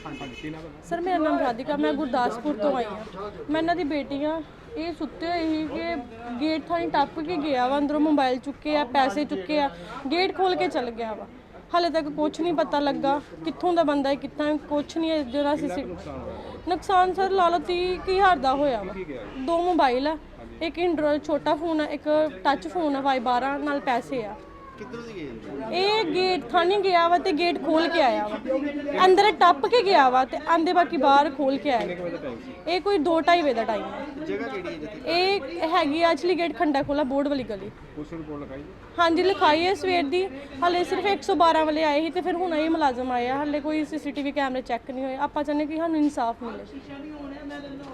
Sir मेरा नाम राधिका, मैं गुरदासपुर तो आई हाँ। मैं इन्हां दी बेटी हाँ। ये सुते हुए ही कि गेट थानी टप के गया वा, अंदरों मोबाइल चुके आ, पैसे चुके आ, गेट खोल के चल गया वा। हाले तक कुछ नहीं पता लगा कित्थों दा बंदा है, कितना कुछ नहीं है। जो नुकसान सर ला लो 30,000 का होया वा। 2 मोबाइल है, एक एंड्रॉयड छोटा फोन है, एक टच फोन है Y12 नाल पैसे आ। ਇਹ गेट थानी गया वा ते गेट खोल के आया वा, अंदर टप के गया वा ते आंदे बाकी बाहर खोल के आया। ये कोई 2-2:30 बजे का टाइम है। ये हैगी एक्चुअली गेट खंडा खोला बोर्ड वाली गली। हाँ जी लिखाई है सवेर दी, हाले सिर्फ 112 वाले आए ही ते फिर हुण ये मुलाजम आया, हाले कोई CCTV कैमरे चैक नहीं होए। आपां चाहने कि सानूं इंसाफ मिले।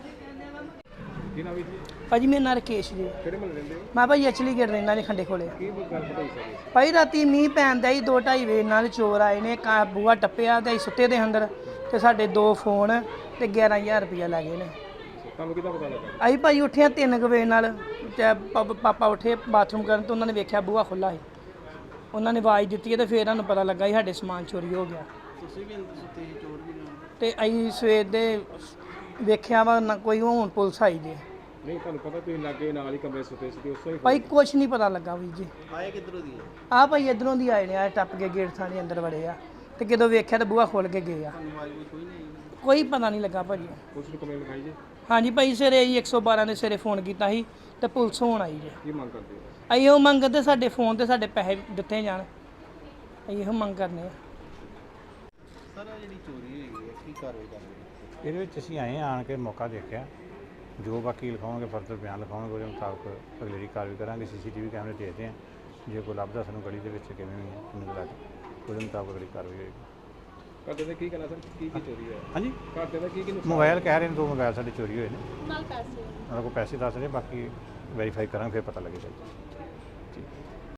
भाजी मेरा नाम राकेश जी, मैं भाई एक्चुअली गेट रहना ने खंडे खोले। भाई राती मींह पैंदा ही 2-2:30 बजे नाल चोर आए ने, बूहा टप्पिया ते सुੱਤੇ ਦੇ अंदर ते साडे 2 फोन ते 11,000 रुपया लै गए ने। ਅਸੀਂ ਭਾਈ ਉੱਠਿਆ 3 ਵਜੇ ਨਾਲ ਤੇ ਪਾਪਾ ਉੱਠੇ ਬਾਥਰੂਮ ਕਰਨ ਤੇ ਉਹਨਾਂ ਨੇ ਵੇਖਿਆ ਬੂਹਾ ਖੁੱਲਾ ਸੀ। ਉਹਨਾਂ ਨੇ ਆਵਾਜ਼ ਦਿੱਤੀ ਤੇ ਫਿਰ ਸਾਨੂੰ ਪਤਾ ਲੱਗਾ ਸੀ ਸਾਡੇ ਸਮਾਨ ਚੋਰੀ ਹੋ ਗਿਆ। ਤੁਸੀਂ ਵੀ ਅੰਦਰ ਸੁੱਤੇ ਸੀ, ਚੋਰ ਵੀ ਨਾਲ? ਤੇ ਅਸੀਂ ਸਵੇਰ ਦੇ ਵੇਖਿਆ ਵਾ ਨਾ ਕੋਈ ਹੁਣ ਪੁਲਿਸ ਆਈ ਜੇ। ਨਹੀਂ ਤੁਹਾਨੂੰ ਪਤਾ ਤੁਸੀਂ ਲਾਗੇ ਨਾਲ ਹੀ ਕਮਰੇ ਸੁੱਤੇ ਸੀ ਉਸ ਤੋਂ ਹੀ ਭਾਈ ਕੁਛ ਨਹੀਂ ਪਤਾ ਲੱਗਾ ਵੀ ਜੀ। ਆਏ ਕਿੱਧਰੋਂ ਦੀ ਹੈ? ਆ ਭਾਈ ਇਧਰੋਂ ਦੀ ਆਏ ਨੇ, ਆ ਟੱਪ ਕੇ ਗੇਟ ਥਾਣੇ ਅੰਦਰ ਵੜੇ ਆ ਤੇ ਜਦੋਂ ਵੇਖਿਆ ਤਾਂ ਬੂਹਾ ਖੋਲ ਕੇ ਗਏ ਆ। ਕੋਈ ਨਹੀਂ? ਕੋਈ ਪਤਾ ਨਹੀਂ ਲੱਗਾ ਭਾਜੀ। ਪੁਲਿਸ ਨੂੰ ਕੰਪਲੇਂਟ ਲਿਖਾਈ ਜੀ? ਹਾਂਜੀ ਭਾਈ ਸਵੇਰੇ ਅਸੀਂ 112 ਦੇ ਸਵੇਰੇ ਫੋਨ ਕੀਤਾ ਸੀ ਤੇ ਪੁਲਿਸ ਹੋਣ ਆਈ ਜੇ। ਕੀ ਮੰਗ ਕਰਦੇ ਹੋ? ਅਸੀਂ ਉਹ ਮੰਗ ਕਰਦੇ ਸਾਡੇ ਫੋਨ ਤੇ ਸਾਡੇ ਪੈਸੇ ਦਿੱਤੇ ਜਾਣ, ਅਸੀਂ ਇਹੋ ਮੰਗ ਕਰਨੇ ਆ। ਸਰ ਜਿਹੜੀ ਚੋਰੀ ਹੋਈ ਹੈ ਕੀ ਕਾਰਵਾਈ ਕਰ ਰਹੇ ਹੋ? ਇਹਦੇ ਵਿੱਚ ਅਸੀਂ ਆਏ ਆਣ ਕੇ ਮੌਕਾ ਦੇਖਿਆ, ਜੋ ਬਾਕੀ ਲਿਖਾਉਣਗੇ ਫਰਦਰ ਬਿਆਨ ਲਿਖਾਉਣਗੇ ਉਹਦੇ ਮੁਤਾਬਕ ਅਗਲੇਰੀ ਕਾਰਵਾਈ ਕਰਾਂਗੇ। CCTV ਕੈਮਰੇ ਦੇਖਦੇ ਹਾਂ, ਜੇ ਕੋਈ ਲੱਭਦਾ ਸਾਨੂੰ ਗਲੀ ਦੇ ਵਿੱਚ ਕਿਵੇਂ ਹੋਈ ਹੈ ਕਿੰਨੇ ਲੱਗ ਉਹਦੇ ਮੁਤਾਬਕ ਅਗਲੀ ਕਾਰਵਾਈ ਹੋਏਗੀ। ਘਰ ਦੇ ਕੀ ਕਹਿਣਾ ਸਰ, ਕੀ ਚੋਰੀ ਹੋਇਆ? ਹਾਂਜੀ ਘਰ ਦੇ ਕੀ ਨੁਕਸਾਨ? ਮੋਬਾਈਲ ਕਹਿ ਰਹੇ ਨੇ 2 ਮੋਬਾਈਲ ਸਾਡੇ ਚੋਰੀ ਹੋਏ ਨੇ, ਨਾਲ ਪੈਸੇ ਉਹਨਾਂ ਕੋਲ ਪੈਸੇ ਦੱਸ ਰਹੇ, ਬਾਕੀ ਵੈਰੀਫਾਈ ਕਰਾਂਗੇ ਫਿਰ ਪਤਾ ਲੱਗੇਗਾ ਜੀ।